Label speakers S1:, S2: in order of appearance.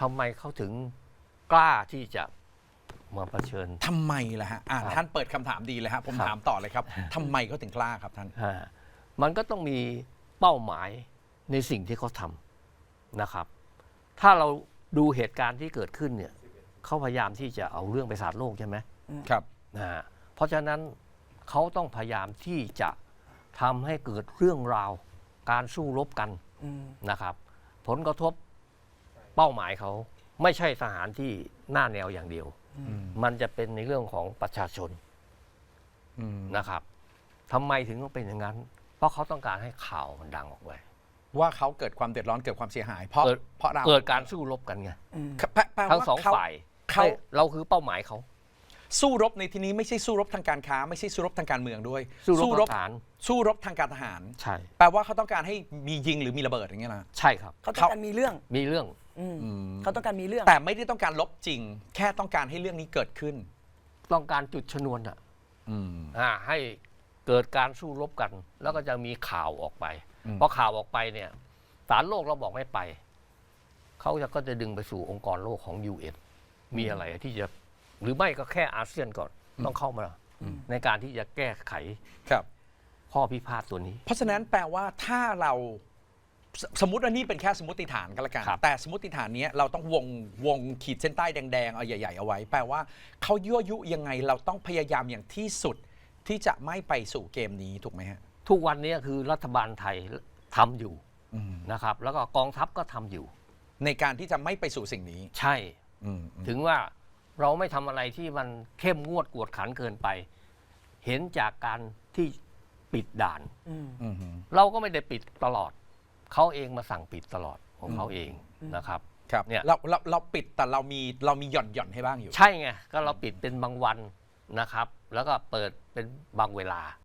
S1: ทำไมเขาถึงกล้าที่จะมาเผชิญ
S2: ทำไมล่ะฮะท่านเปิดคำถามดีเลยฮะผมถามต่อเลยครับทำไมเขาถึงกล้าครับท่าน
S1: มันก็ต้องมีเป้าหมายในสิ่งที่เขาทำนะครับถ้าเราดูเหตุการณ์ที่เกิดขึ้นเนี่ยเขาพยายามที่จะเอาเรื่องไปสาดโลกใช่ไหม
S2: ครับ
S1: เพราะฉะนั้นเขาต้องพยายามที่จะทำให้เกิดเรื่องราวการสู้รบกันนะครับผลกระทบเป้าหมายเขาไม่ใช่ทหารที่หน้าแนวอย่างเดียวมันจะเป็นในเรื่องของประชาชนนะครับทำไมถึงต้องเป็นอย่างนั้นเพราะเขาต้องการให้ข่าวมันดังออกไป
S2: ว่าเขาเกิดความเดือดร้อนเกิดความเสียหายเพราะเรา
S1: เกิดการสู้รบกันไงทั้งสองฝ่ายเราคือเป้าหมายเขา
S2: สู้รบในที่นี้ไม่ใช่สู้รบทางการค้าไม่ใช่สู้รบทางการเมืองด้วย
S1: สู้รบทหาร
S2: สู้รบทางการทหาร
S1: ใช่
S2: แปลว่าเขาต้องการให้มียิงหรือมีระเบิดอย่างเงี้ยนะ
S1: ใช่ครับ
S3: เขาต้องการมีเรื่องเขาต้องการมีเรื่อง
S2: แต่ไม่ได้ต้องการลบจริงแค่ต้องการให้เรื่องนี้เกิดขึ้น
S1: ต้องการจุดชนวนให้เกิดการสู้รบกันแล้วก็จะมีข่าวออกไปพอข่าวออกไปเนี่ยศาลโลกเราบอกไม่ไปเขาก็จะดึงไปสู่องค์กรโลกของ UN มีอะไรที่จะหรือไม่ก็แค่อาเซียนก่อนต้องเข้ามาในการที่จะแก้ไขข้อพิพาทตัวนี้
S2: เพราะฉะนั้นแปลว่าถ้าเราสมมติว่านี่เป็นแค่สมมติฐานก็แล้วกันแต่สมมติฐานนี้เราต้องวงขีดเส้นใต้แดงๆเอาใหญ่ๆเอาไว้แปลว่าเขายั่วยุยังไงเราต้องพยายามอย่างที่สุดที่จะไม่ไปสู่เกมนี้ถูกไหมฮะ
S1: ทุกวันนี้คือรัฐบาลไทยทำอยู่นะครับแล้วก็กองทัพก็ทำอยู่
S2: ในการที่จะไม่ไปสู่สิ่งนี้
S1: ใช่ถึงว่าเราไม่ทำอะไรที่มันเข้มงวดกวดขันเกินไปเห็นจากการที่ปิดด่านเราก็ไม่ได้ปิดตลอดเขาเองมาสั่งปิดตลอดของเขาเองนะครับ
S2: เนี่ยเราปิดแต่เรามีหย่อนให้บ้างอยู่
S1: ใช่ไงก็เราปิดเป็นบางวันนะครับแล้วก็เปิดเป็นบางเวลา